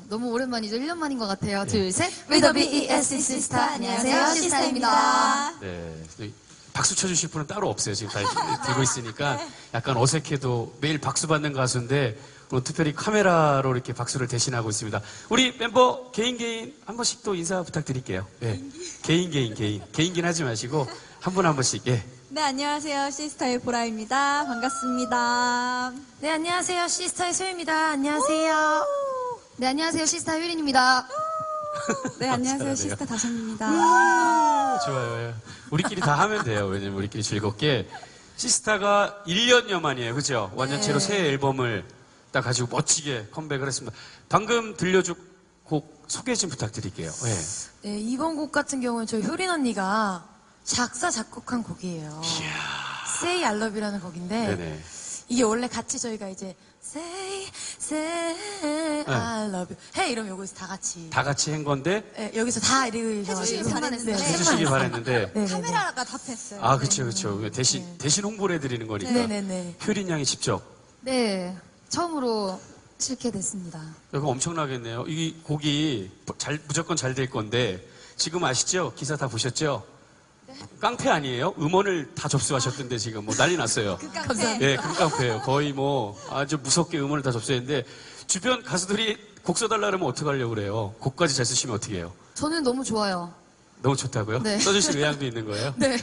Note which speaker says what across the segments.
Speaker 1: 너무 오랜만이죠. 1년 만인 것 같아요.
Speaker 2: 네.
Speaker 1: 둘, 셋. With the BESC 시스타. 안녕하세요. 시스타입니다.
Speaker 2: 네. 박수 쳐주실 분은 따로 없어요. 지금 다 들고 있으니까 약간 어색해도 매일 박수 받는 가수인데 오늘 특별히 카메라로 이렇게 박수를 대신하고 있습니다. 우리 멤버 개인 한 번씩 또 인사 부탁드릴게요. 예. 개인긴 하지 마시고 한 분 한 번씩. 예.
Speaker 3: 네, 안녕하세요. 시스타의 보라입니다. 반갑습니다.
Speaker 4: 네, 안녕하세요. 시스타의 소유입니다. 안녕하세요.
Speaker 1: 네, 안녕하세요. 시스타 효린입니다.
Speaker 3: 네, 안녕하세요. 시스타 다솜입니다.
Speaker 2: 좋아요. 우리끼리 다 하면 돼요. 왜냐면 우리끼리 즐겁게. 시스타가 1년여 만이에요. 그죠? 완전체로 새 앨범을 딱 가지고 멋지게 컴백을 했습니다. 방금 들려줄 곡 소개 좀 부탁드릴게요. 예.
Speaker 4: 네, 이번 곡 같은 경우는 저희 효린 언니가 작사, 작곡한 곡이에요. Say I Love You라는 곡인데
Speaker 2: 네네.
Speaker 4: 이게 원래 같이 저희가 이제 Say I Love You 해 이러면 여기서 다 같이
Speaker 2: 다 같이 한 건데
Speaker 4: 네, 여기서 다 읽으셔가지고
Speaker 2: 해주시기 바랬는데
Speaker 3: 카메라가 답했어요.
Speaker 2: 아 그쵸. 대신 홍보를 해드리는 거니까
Speaker 4: 네네네.
Speaker 2: 효린 양이 직접.
Speaker 1: 네, 처음으로 실게 됐습니다.
Speaker 2: 이거 엄청나겠네요. 이 곡이 무조건 잘 될 건데 지금 아시죠? 기사 다 보셨죠? 깡패 아니에요? 음원을 다 접수하셨던데 지금 뭐 난리 났어요.
Speaker 3: 깡패.
Speaker 2: 예, 금깡패예요. 거의 뭐 아주 무섭게 음원을 다 접수했는데 주변 가수들이 곡 써달라 그러면 어떡하려고 그래요? 곡까지 잘 쓰시면 어떻게 해요?
Speaker 1: 저는 너무 좋아요.
Speaker 2: 너무 좋다고요?
Speaker 1: 네.
Speaker 2: 써주실 의향도 있는 거예요?
Speaker 1: 네.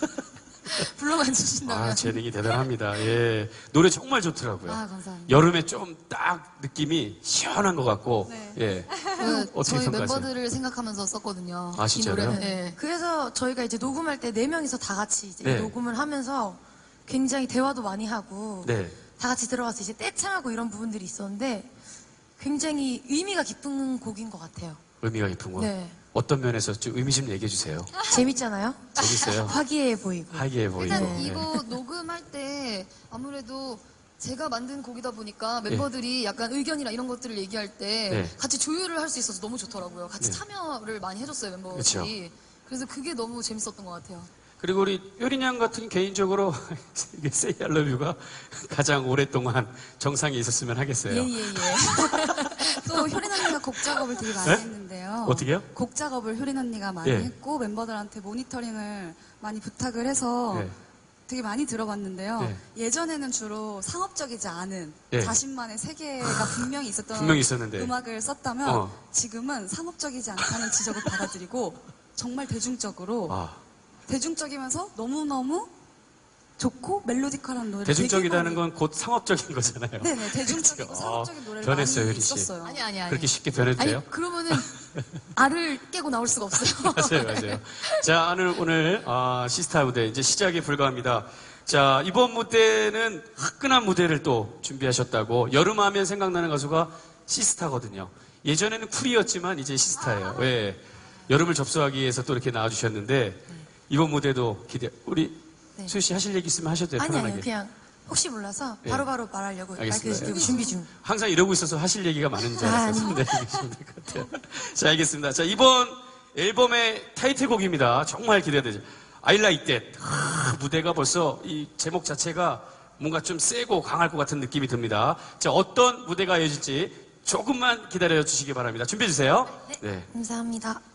Speaker 1: 불러만 주신다면.
Speaker 2: 아, 재능이 대단합니다. 예. 노래 정말 좋더라고요.
Speaker 1: 아, 감사합니다.
Speaker 2: 여름에 좀 딱 느낌이 시원한 것 같고,
Speaker 3: 네.
Speaker 2: 예. 어떻게
Speaker 1: 저희
Speaker 2: 평가하세요?
Speaker 1: 멤버들을 생각하면서 썼거든요.
Speaker 2: 아, 진짜로요?
Speaker 1: 이 노래는. 네.
Speaker 4: 그래서 저희가 이제 녹음할 때 4명이서 다 같이 이제
Speaker 2: 네.
Speaker 4: 녹음을 하면서 굉장히 대화도 많이 하고
Speaker 2: 네.
Speaker 4: 다 같이 들어가서 이제 떼창하고 이런 부분들이 있었는데 굉장히 의미가 깊은 곡인 것 같아요.
Speaker 2: 의미가 깊은 거.
Speaker 4: 네.
Speaker 2: 어떤 면에서 좀 의미 좀 얘기해 주세요.
Speaker 4: 재밌잖아요?
Speaker 2: 재밌어요.
Speaker 4: 화기애애 보이고.
Speaker 2: 하이에 보이고.
Speaker 1: 일단
Speaker 2: 예.
Speaker 1: 이거 녹음할 때 아무래도 제가 만든 곡이다 보니까 멤버들이 약간 의견이나 이런 것들을 얘기할 때
Speaker 2: 네.
Speaker 1: 같이 조율을 할 수 있어서 너무 좋더라고요. 같이
Speaker 2: 네.
Speaker 1: 참여를 많이 해줬어요, 멤버들이.
Speaker 2: 그쵸.
Speaker 1: 그래서 그게 너무 재밌었던 것 같아요.
Speaker 2: 그리고 우리 효린 양 같은 개인적으로 이게 Say I Love You가 가장 오랫동안 정상에 있었으면 하겠어요.
Speaker 3: 예. 또 효린 언니가 곡 작업을 되게 많이
Speaker 2: 네?
Speaker 3: 했는데요.
Speaker 2: 어떻게요?
Speaker 3: 곡 작업을 효린 언니가 많이
Speaker 2: 예.
Speaker 3: 했고 멤버들한테 모니터링을 많이 부탁을 해서
Speaker 2: 네.
Speaker 3: 되게 많이 들어봤는데요.
Speaker 2: 네.
Speaker 3: 예전에는 주로 상업적이지 않은
Speaker 2: 네.
Speaker 3: 자신만의 세계가 분명히 있었던
Speaker 2: 분명히 있었는데.
Speaker 3: 음악을 썼다면
Speaker 2: 어.
Speaker 3: 지금은 상업적이지 않다는 지적을 받아들이고 정말 대중적으로
Speaker 2: 아,
Speaker 3: 대중적이면서 너무너무 좋고 멜로디컬한 노래
Speaker 2: 대중적이라는 건 곧 상업적인 거잖아요.
Speaker 3: 네네 대중적이고
Speaker 2: 그쵸?
Speaker 3: 상업적인 노래를
Speaker 2: 변했어요,
Speaker 3: 많이
Speaker 2: 효린 씨.
Speaker 3: 썼어요.
Speaker 1: 아니.
Speaker 2: 그렇게 쉽게 변해도 돼요?
Speaker 1: 아니, 그러면은 알을 깨고 나올 수가 없어요.
Speaker 2: 맞아요. 자, 오늘 시스타 무대 이제 시작에 불과합니다. 자, 이번 무대는 화끈한 무대를 또 준비하셨다고. 여름 하면 생각나는 가수가 시스타거든요. 예전에는 쿨이었지만 이제 시스타예요. 예. 여름을 접수하기 위해서 또 이렇게 나와주셨는데 이번 무대도 우리
Speaker 4: 네.
Speaker 2: 수희 씨 하실 얘기 있으면 하셔도 돼요. 편안하게.
Speaker 4: 아니요, 그냥 혹시 몰라서
Speaker 2: 예.
Speaker 4: 바로바로 말하려고 마이크
Speaker 2: 알겠습니다.
Speaker 4: 들고 준비 중.
Speaker 2: 항상 이러고 있어서 하실 얘기가 많은 줄
Speaker 4: 아,
Speaker 2: 알았어요. 네, 얘기하시면 될 것 같아요. 자, 알겠습니다. 자, 이번 앨범의 타이틀곡입니다. 정말 기대되죠. I Like That. 무대가 벌써 이 제목 자체가 뭔가 좀 세고 강할 것 같은 느낌이 듭니다. 자, 어떤 무대가 이어질지 조금만 기다려 주시기 바랍니다. 준비해 주세요. 네.
Speaker 4: 감사합니다.